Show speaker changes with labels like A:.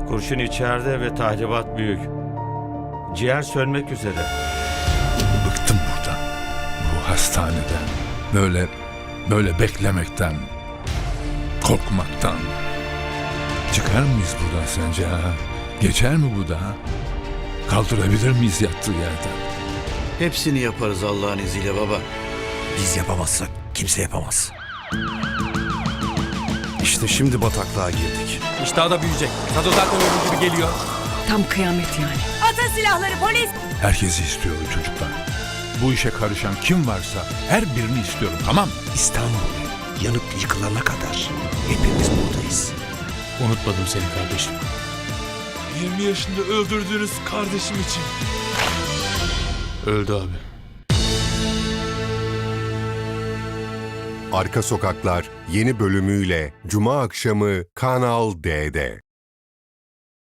A: Kurşun içeride ve tahribat büyük. Ciğer sönmek üzere.
B: Bıktım buradan. Bu hastaneden. Böyle beklemekten. Korkmaktan. Çıkar mıyız buradan sence ha? Geçer mi bu da ha? Kaldırabilir miyiz yattığı yerden?
C: Hepsini yaparız Allah'ın izniyle baba.
D: Biz yapamazsak kimse yapamaz.
E: İşte şimdi bataklığa girdik.
F: İştah da büyüyecek. Sado zaten ölüm gibi geliyor.
G: Tam kıyamet yani.
H: Atın silahları polis!
B: Herkesi istiyorum çocuklar. Bu işe karışan kim varsa her birini istiyorum, tamam mı?
D: İstanbul yanıp yıkılana kadar hepimiz buradayız.
F: Unutmadım seni kardeşim.
I: 20 yaşında öldürdüğünüz kardeşim için.
F: Öldü abi.
J: Arka Sokaklar yeni bölümüyle Cuma akşamı Kanal D'de.